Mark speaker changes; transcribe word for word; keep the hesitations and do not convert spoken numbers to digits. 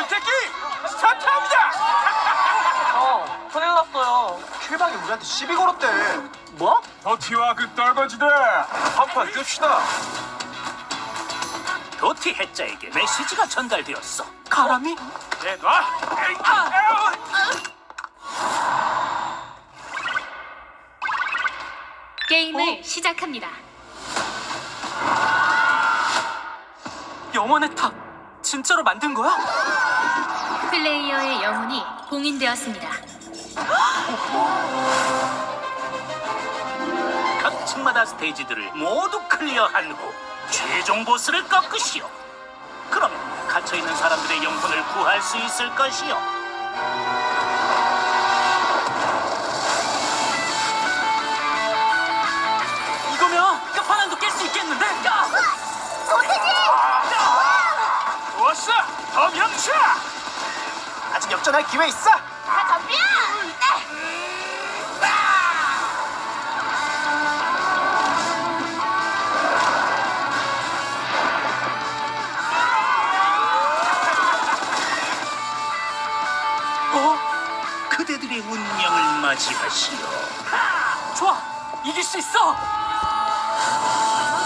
Speaker 1: 선택기 스타트합니다.
Speaker 2: 형, 큰일 났어요.
Speaker 3: 킬방이 우리한테 시비 걸었대.
Speaker 2: 뭐?
Speaker 1: 더티와 그 떨거지들 한판 뜹시다.
Speaker 4: 도티 해자에게 메시지가 전달되었어.
Speaker 2: 가람이?
Speaker 1: 내놔.
Speaker 5: 게임을 시작합니다.
Speaker 2: 영혼의 탑 진짜로 만든 거야?
Speaker 5: 플레이어의 영혼이 봉인되었습니다.
Speaker 4: 각 층마다 스테이지들을 모두 클리어한 후 최종 보스를 꺾으시오. 그러면 갇혀있는 사람들의 영혼을 구할 수 있을 것이오.
Speaker 2: 이거면 끝판왕도 깰 수 있겠는데?
Speaker 1: 좋았어. 덤영차.
Speaker 3: 아직 역전할 기회 있어.
Speaker 5: 다 덤벼!
Speaker 4: 어? 그대들의 운명을 맞이하시오.
Speaker 2: 좋아, 이길 수 있어.